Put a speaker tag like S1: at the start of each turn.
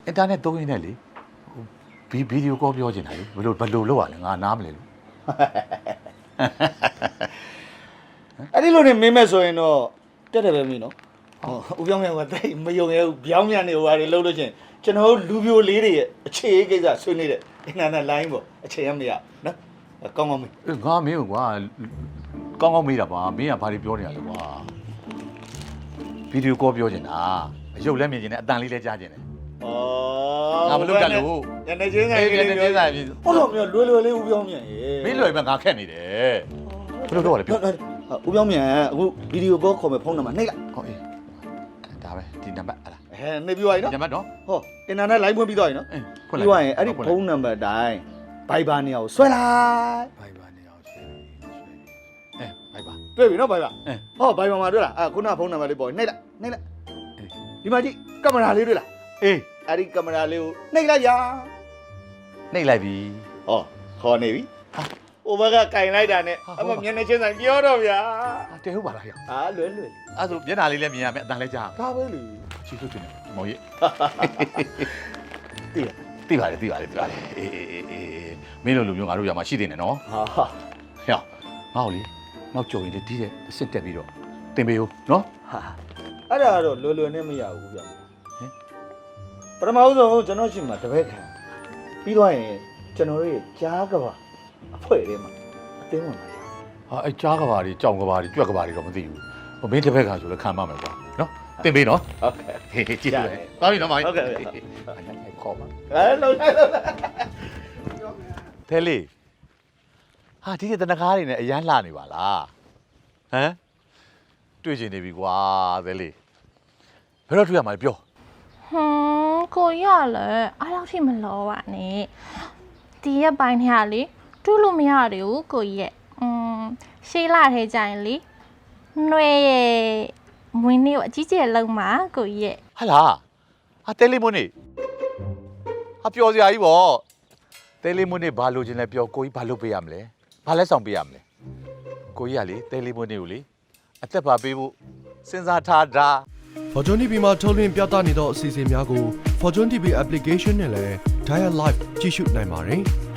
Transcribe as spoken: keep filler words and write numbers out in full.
S1: အင်တာနက်သုံးရင်းနဲ့လေဗီဗီဒီယိုကောပြောချင်တာလေဘယ်လိုဘယ်လိုလုပ်ရလဲငါနားမလဲလို့
S2: အဲ့ဒီလိုနေမင်းမဲ့ဆိုရင်တော့တက်တယ်ပဲမင်းနော်ဟိုဦးပြောင်းမြန်ကတိတ်မယုံရဲဘူးပြောင်းမြန်နေဟိုဟာတွေလှုပ်လို့ချင်းကျွန်တော်လူပြိုလေးတွေရဲ့အခြေအကိစ္စဆွေးနေတဲ့အင်တာနက်လိုင်းပေါ့အခြေရမရနော်ကောင်းကောင်းမင်း
S1: ငါမင်းကွာကောင်းကောင်းမေးတာပါမင်းကဘာတွေပြောနေရလဲကွာဗီဒီယိုကောပြောချင်တာအရုပ်လည်းမြင်ချင်တယ်အတန်လေးလည်းကြားချင်တယ်ငါမလုပ်တတ်လို့
S2: ညနေချင်းဆိုင်လေးပြောတာဟုတ်တော့မျိုးလွယ်လွယ်လေးဦးပြောင်းမြန်ရေ
S1: မင်းလွယ်ပဲငါခက်နေတယ်ဘယ်လိုတော့လဲပြော
S2: ဦးပြောင်းမြန်အခုဗီဒီယိုကောခေါ်မယ်ဖုန်းနံပါတ်နှိပ်လိုက်
S1: ဟုတ်အေးဒါပဲဒီနံပါတ်ဟလား
S2: ဟဲနှိပ်ပြီးသွားပြီနော်
S1: နံပါတ်နော်
S2: ဟောအင်တာနက်လိုင်းဖွင့်ပြီးသွားပြီနော်
S1: ဖွင့်
S2: ပြီးသွားရင်အဲ့ဒီဖုန်းနံပါတ်တိုင်းဘိုင်ဘာနေရာကိုဆွဲလိုက်
S1: ဘိုင်ဘာနေအောင်ဆွဲအဲဘိုင်ဘာ
S2: တွေ့ပြီနော်ဘိုင်ဘာ
S1: အဲ
S2: ဟောဘိုင်ဘာမှာတွေ့လားအခုနဖုန်းနံပါတ်လေးပေါ်နှိပ်လိုက်နှိပ်လိုက်ဒီမှာကြည့်ကင်မရာလေးတွေ့လား
S1: အေး
S2: အဲ့ဒီကင်မရာလေးကိုနှိပ်လိုက်ရ
S1: နှိပ်လိုက်ပြီ
S2: ဟောခေါ်နေပြီဟိုဘက်ကကင်လိုက်တာနဲ့အမမျက်နှာချင်းဆိုင်ပြောတော့ဗျာ
S1: တဲဟုတ်ပါလားဟဲ့
S2: ဟာလွယ်လွယ်
S1: အဲ့ဆိုမျက်နှာလေးလည်းမြင်ရမယ်အတန်လည်းကြား
S2: ဒါပဲလေ
S1: ချီလို့တင်တယ်မောင်ကြီး
S2: တည်ရ
S1: သိပါတယ်သိပါတယ်သိပါတယ်အေးအေးအေးမင်းလိုလူမျိုးငါတို့ရမှာရှိနေတယ်နော်
S2: ဟာဟာ
S1: ဟဲ့ငါ့ကိုလေနောက်ကြုံရင်ဒီတဲ့အစ်စ်တက်ပြီးတော့တင်ပေးဦးနော်
S2: ဟာအဲ့ဒါကတော့လွယ်လွယ်နဲ့မရဘူးဗျာ
S1: ဟင်
S2: ပထမဦးဆုံးကျွန်တော်ရှိမှာတပည့်ခံပြီးတော့ရင်ကျွန်တော်တို့ရဲ့ကြားကဘာအဖွဲ့ထဲမှာအသိဝင်ပါရ
S1: ဟာအဲကြားကဘာတွေကြောင်ကဘာတွေကြွက်ကဘာတွေတော့မသိဘူးဟိုမင်းတစ်ဖက်ကဆိုလည်းခံပါမယ်ကွာနော်တင်ပေးနော်
S2: ဟုတ်ကဲ့
S1: ဟေးကြည့်တယ်သွားပြီနော်မောင်ကြီး
S2: ဟုတ်ကဲ့
S1: ခေါ်ပါ
S2: အဲလုံးလိုက်လုံးလိုက်
S1: သဲလေးဟာဒီတနကားတွေနဲ့အရန်လှနေပါလားဟမ်တွေ့ချင်နေပြီကွာသဲလေးဘယ်တော့တွေ့ရမှာလဲပြော
S3: ဟွန်းကိုရလည်းအားလောက်ထိမလောပါနဲ့ဒီရက်ပိုင်းထဲကလေတူးလို့မရသေးဘူးကိုကြီးရဲ့อืมရှေးလာထဲကြရင်လေနှွဲရဲ့မွေးနေ့ကိုအကြီးကျယ်လုံးမှာကိုကြီးရဲ့
S1: ဟာလားဟာတဲလေးမွန်းနေဟာပျော်စရာကြီးပေါ့တဲလေးမွန်းနေဘာလို့ချင်းလဲပြောကိုကြီးဘာလုပ်ပေးရမလဲဘာလဲဆောင်ပေးရမလဲကိုကြီးကလေတဲလေးမွန်းနေကိုလေအသက်ပါပေးဖို့စဉ်းစားထားတာ
S4: Fortune တီဗီမှာထုတ်လွှင့်ပြသနေသောအစီအစဉ်များကို Fortune တီဗီ application နဲ့လည်း Dial Live ကြည့်ရှုနိုင်ပါတယ်။